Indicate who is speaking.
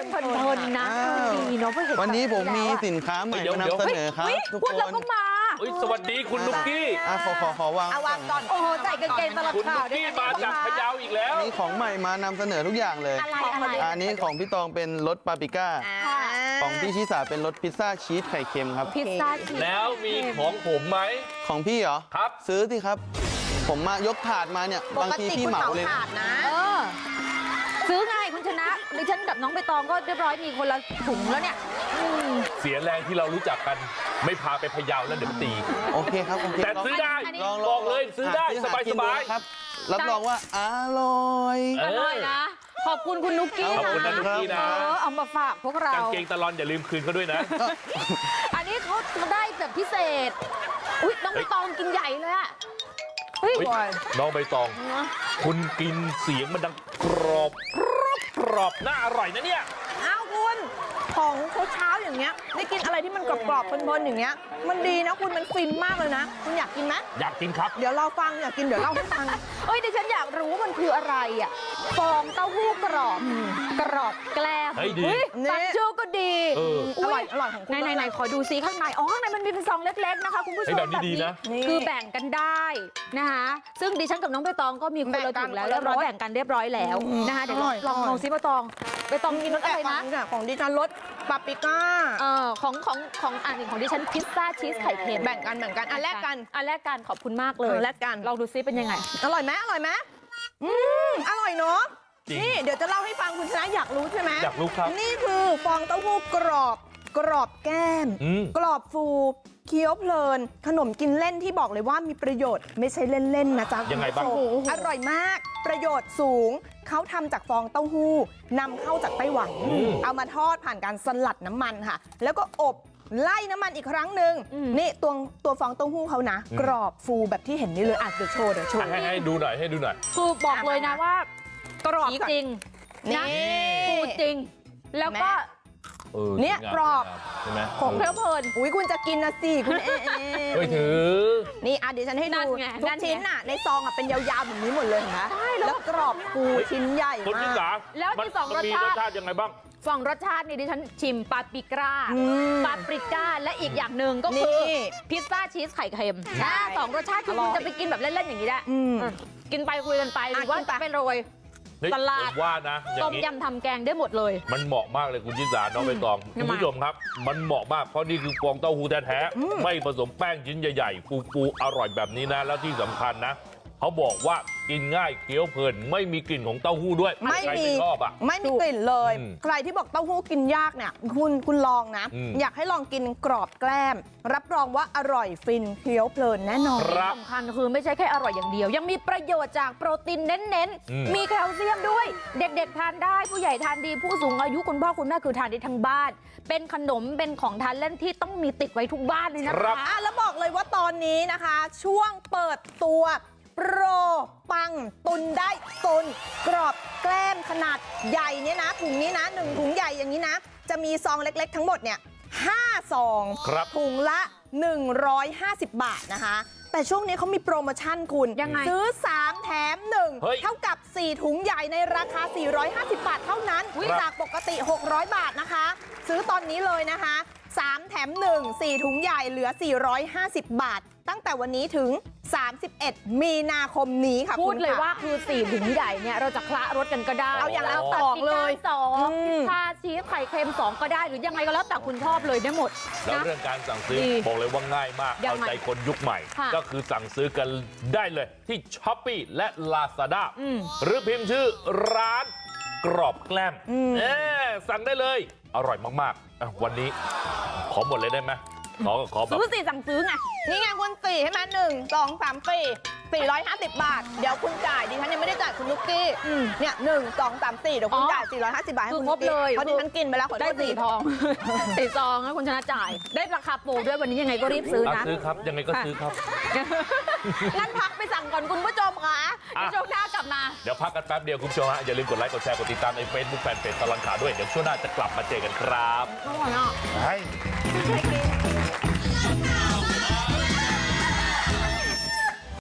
Speaker 1: เพลินๆนะดีเนาะเพื่อเห็น
Speaker 2: วันนี้ผมมีสินค้าใหม่มานำเสนอครับทุกคน
Speaker 1: เราก็มา
Speaker 3: สวัสดีคุณนุกกี้
Speaker 2: ขอวาง
Speaker 4: เอาวางก่อน
Speaker 1: โอ้โหใส่กางเกงตลอด
Speaker 3: คุณ
Speaker 1: ข่า
Speaker 3: นุ
Speaker 1: ว
Speaker 3: ก
Speaker 1: ด้วย
Speaker 3: กี้
Speaker 1: นะ
Speaker 3: มาจากพะเยาอีกแล้ว
Speaker 2: มีของใหม่มานำเสนอทุกอย่างเลย
Speaker 1: อะไร
Speaker 2: อันนี้ของพี่ตองเป็นรสปาปริก้าของพี่ชิสาเป็นรสพิซซ่าชีสไข่เค็มครับ
Speaker 1: พิซซ่าชีส
Speaker 3: แล้วมีของผมไหม
Speaker 2: ของพี่เหรอ
Speaker 3: ครับ
Speaker 2: ซื้อสิครับ ผมมายกถาดมาเนี่ย
Speaker 4: ป
Speaker 2: บาง
Speaker 4: ก
Speaker 2: ที
Speaker 4: ติ
Speaker 2: พี่
Speaker 4: คุณ
Speaker 2: เหมา
Speaker 4: เหมา
Speaker 2: เลย
Speaker 4: ถาดนะ
Speaker 1: ซื้อไงคุณชนะดิฉันกับน้องใบตองก็เรียบร้อยมีคนละถุงแล้วเนี่ย
Speaker 3: เสียแรงที่เรารู้จักกัน ไม่พาไปพะเยาแล้วเดี๋ยวมันตี
Speaker 2: โอเคครับโอเค
Speaker 3: แต่ซื้อได้
Speaker 2: ลอง
Speaker 3: บอกเลยซื้อได้
Speaker 2: ห
Speaker 3: สบาย
Speaker 2: กิ
Speaker 3: ส
Speaker 2: นดู
Speaker 3: บาย
Speaker 2: ครับ รับรองว่าอร่อย
Speaker 1: อร่อยนะ ขอบคุณคุณนุกกี้
Speaker 3: ขอบคุณนะนุกกี้นะ
Speaker 1: เอามาฝากพวกเรา
Speaker 3: กางเกงตะลอนอย่าลืมคืนเขาด้วยนะ
Speaker 1: อันนี้เขาได้แบบพิเศษ อุ้ยน้องใบตองกินใหญ่เลยอะเฮ้ย
Speaker 3: เฮ้ยน้องใบตอง คุณกินเสียงมันดังกรอบกรอบน่าอร่อยนะเนี่ย
Speaker 4: อ้าวคุณของเช้าๆอย่างเงี้ยได้กินอะไรที่มันกรอบๆเพลินๆอย่างเงี้ยมันดีนะคุณมันฟินมากเลยนะคุณอยากกินไหม
Speaker 3: อยากกินครับ
Speaker 4: เดี๋ยวเราฟังอยากกินเดี๋ยวเล่าให้ฟัง
Speaker 1: เอ้ยดิฉันอยากรู้ว่ามันคืออะไรอ่ะฟองเต้าหู้กรอบกรอบแกล้ม
Speaker 3: เฮ้ยดี
Speaker 1: ฟังชื่อก็ดี
Speaker 3: เออ
Speaker 4: อร่อยอร่อยของคุณ
Speaker 1: ไหนขอดูซิข้างในอ๋อข้างในมันมีเป็นซองเล็กๆนะคะคุณผู้ชม
Speaker 3: แบบนี้ดีนะ
Speaker 1: คือแบ่งกันได้นะคะซึ่งดิฉันกับน้องใบตองก็มีคนละถุงแล้วเรียบร้อยแบ่งกันเรียบร้อยแล้วนะคะเดี๋ยวลองซิใบตองกินรสอะไรนะ
Speaker 4: ของดิฉันรสปาปริก้า
Speaker 1: ของอันหนึ่งของดิฉันพิซซ่าชีสไข่เค็ม
Speaker 4: แบ่งกันอันแรกกัน
Speaker 1: ขอบคุณมากเลย
Speaker 4: แลกกัน
Speaker 1: ลองดูซิเป็นยังไง
Speaker 4: อร่อยไหมอร่อยเนาะ
Speaker 3: จริง
Speaker 4: นี่เดี๋ยวจะเล่าให้ฟังคุณชนะอยากรู้ใช่ไหม
Speaker 3: อยากรู้ครับ
Speaker 4: นี่คือฟองเต้าหู้กรอบแก้ม กรอบฟูเคี้ยวเพลิน ขนมกินเล่นที่บอกเลยว่ามีประโยชน์ไม่ใช่เล่นๆนะจ๊ะ
Speaker 3: ยังไงบ้าง
Speaker 4: คุณผู้ชมอร่อยมากประโยชน์สูงเขาทำจากฟองเต้าหู้นำเข้าจากไต้หวัน เอามาทอดผ่านการสลัดน้ำมันค่ะ แล้วก็อบไล่น้ำมันอีกครั้งหนึ่งนี่ตัวฟองเต้าหู้เขานะ กรอบฟูแบบที่เห็นนี่เลยเดี๋ยวโชว์
Speaker 3: ให้ดูหน่อย
Speaker 1: คือบอกเลยนะว่ากรอบจริง
Speaker 4: นี่
Speaker 1: นะฟูจริง แล้วก็
Speaker 4: เนี่ย
Speaker 3: สวยงาม
Speaker 4: กรอบ
Speaker 3: ใช่ไหม
Speaker 1: ของเพลิเพลิน
Speaker 4: อุ้ยคุณจะกินนะสิคุณเอ
Speaker 3: เฮ้ยถือ
Speaker 4: นี่เดี๋ยวฉันให้
Speaker 1: นั่
Speaker 4: ดู
Speaker 1: นไง
Speaker 4: ทุ
Speaker 1: นั่
Speaker 4: ก
Speaker 1: นไง
Speaker 4: ชิ้นน่ะในซองอ่ะเป็นยาวๆแบบนี้หมดเลยเห็นไหม
Speaker 1: ใช่แล้ว
Speaker 4: แล้วกรอบฟูชิ้นใหญ่
Speaker 3: คนที่
Speaker 4: มาก
Speaker 3: สาม
Speaker 1: แล้วมีสองรสชาติ
Speaker 3: มีรสชาติยังไงบ้าง
Speaker 1: สองรสชาตินี่ดิฉันชิมปาปริก้าและอีกอย่างหนึ่งก็คือ
Speaker 4: นี่
Speaker 1: พิซซ่าชีสไข่เค็ม
Speaker 4: ใช่
Speaker 1: สองรสชาติคือ
Speaker 4: อร่
Speaker 1: คุ
Speaker 4: อย
Speaker 1: ณจะไปกินแบบเล่นๆอย่างนี้ได้ กินไปคุยกันไปหรือว่า
Speaker 4: กินไป
Speaker 1: จะไปโรย
Speaker 3: เฮ้ย
Speaker 1: สลัด
Speaker 3: ผมว่านะอย่า
Speaker 1: ต้
Speaker 3: ง
Speaker 1: ม
Speaker 3: นี้
Speaker 1: ยำทำแกงได้หมดเลย
Speaker 3: มันเหมาะมากเลยคุณชิสาน้องใบตอง
Speaker 1: ทำไม
Speaker 3: คุณผู้ชมครับ มันเหมาะมากเพราะนี่คือฟองเต้าหู้แท้ๆไม่ผสมแป้งชิ้นใหญ่ๆฟูๆอร่อยแบบนี้นะ แล้วที่สำคัญนะเขาบอกว่ากินง่ายเคี้ยวเพลินไม่มีกลิ่นของเต้าหู้ด้วย
Speaker 4: ไม่
Speaker 3: ใคร
Speaker 4: มี
Speaker 3: ไม่ชอบอ่ะ
Speaker 4: ไม่มีกลิ่นเลย
Speaker 3: อืม
Speaker 4: ใครที่บอกเต้าหู้กินยากเนี่ยคุณลองนะ อยากให้ลองกินกรอบแกล้ม รับรองว่าอร่อยฟินเคี้ยวเพลินแน่นอน
Speaker 3: ครับ
Speaker 1: สำคัญคือไม่ใช่แค่อร่อยอย่างเดียว ยังมีประโยชน์จากโปรตีนเน้น
Speaker 3: อืม
Speaker 1: ๆ มีแคลเซียมด้วย เด็กๆทานได้ผู้ใหญ่ทานดีผู้สูงอายุคุณพ่อคุณแม่คือทานได้ทั้งบ้าน เป็นขนมเป็นของทานเล่นที่ต้องมีติดไว้ทุกบ้านเลยนะคะ
Speaker 4: แล้วบอกเลยว่าตอนนี้นะคะ ช่วงเปิดตัวโปรปังตุนได้ตุน กรอบแกล้มขนาดใหญ่เนี่ยนะถุงนี้นะ1ถุงใหญ่อย่างนี้นะ จะมีซองเล็กๆทั้งหมดเนี่ย5ซอง
Speaker 3: ครับ
Speaker 4: ถุงละ 150 บาทนะคะ แต่ช่วงนี้เขามีโปรโมชั่นคุณ
Speaker 1: ยังไง
Speaker 4: ซื้อ 3 แถม
Speaker 3: เฮ้ย
Speaker 4: 1 เท่ากับ 4 ถุงใหญ่ในราคา 450 บาทเท่านั้น
Speaker 3: ครับ
Speaker 4: จากปกติ 600 บาทนะคะ ซื้อตอนนี้เลยนะคะ 3 แถม 1 4 ถุงใหญ่เหลือ 450 บาท ตั้งแต่วันนี้ถึง 31 มีนาคมนี้ค่ะ
Speaker 1: พูด
Speaker 4: คุณ
Speaker 1: เลย
Speaker 4: ค่ะ
Speaker 1: ว่าคือ4ถุงใหญ่เนี่ยเราจะคละรสกันก็ได้
Speaker 4: เอาอย่างละ
Speaker 1: ตัด
Speaker 4: สองเลย
Speaker 1: พิซซ่าสองพิซซ่าชีสไข่เค็ม2ก็ได้หรือยังไงก็แล้วแต่คุณชอบเลยได้หมด
Speaker 3: แล้ว
Speaker 1: นะ
Speaker 3: เรื่องการสั่งซื้อ
Speaker 1: ดี
Speaker 3: บอกเลยว่าง่ายมาก
Speaker 1: ยัง
Speaker 3: เอา
Speaker 1: ไง
Speaker 3: ใจคนยุคใหม่
Speaker 1: ค่ะ
Speaker 3: ก็คือสั่งซื้อกันได้เลยที่ Shopee และ Lazada หรือพิมพ์ชื่อร้านกรอบแกล้มสั่งได้เลย อร่อยมากๆอ่ะวันนี้ขอหมดเลยได้ไหมขอแบบ
Speaker 1: ซื้อสิสั่งซื้อไง
Speaker 4: นี่ไงคุณ4ใช่ไหม1 2 3 450 บาท เดี๋ยวคุณจ่ายดิฉันยังไม่ได้จ่ายคุณลูกกี้เนี่ย1 2 3 4เดี๋ยวคุณจ่าย450 บาทให้
Speaker 1: คือ
Speaker 4: คุณ
Speaker 1: คร
Speaker 4: ลู
Speaker 1: บ
Speaker 4: กกี้
Speaker 1: เลย
Speaker 4: เพราะดิฉันกินไปแล้วขอโท
Speaker 1: ได้
Speaker 4: ษที
Speaker 1: 4 ทอง 4 ซองนะคุณชนะจ่าย ได้ราคาโปรด้วยวันนี้ยังไงก็รีบซื้อนะ
Speaker 3: ซื้อครับ ยังไงก็ซื้อครับ
Speaker 1: งั้นพักไปสั่งก่อนคุณผู้ชมค่ะเดี๋ยวช่วงหน้ากลับมา
Speaker 3: เดี๋ยวพักกันแป๊บเดียวคุณผู้ชมฮะอย่าลืมกดไลค์กดแชร์กดติดตามใน Facebook แฟนเพจตลอดข่าวด้วยเดี๋ยวช่วงหน้าจะกลับมาเจอกันครับ
Speaker 1: อร่อยอ่ะ
Speaker 3: ให้
Speaker 4: ใช่กิน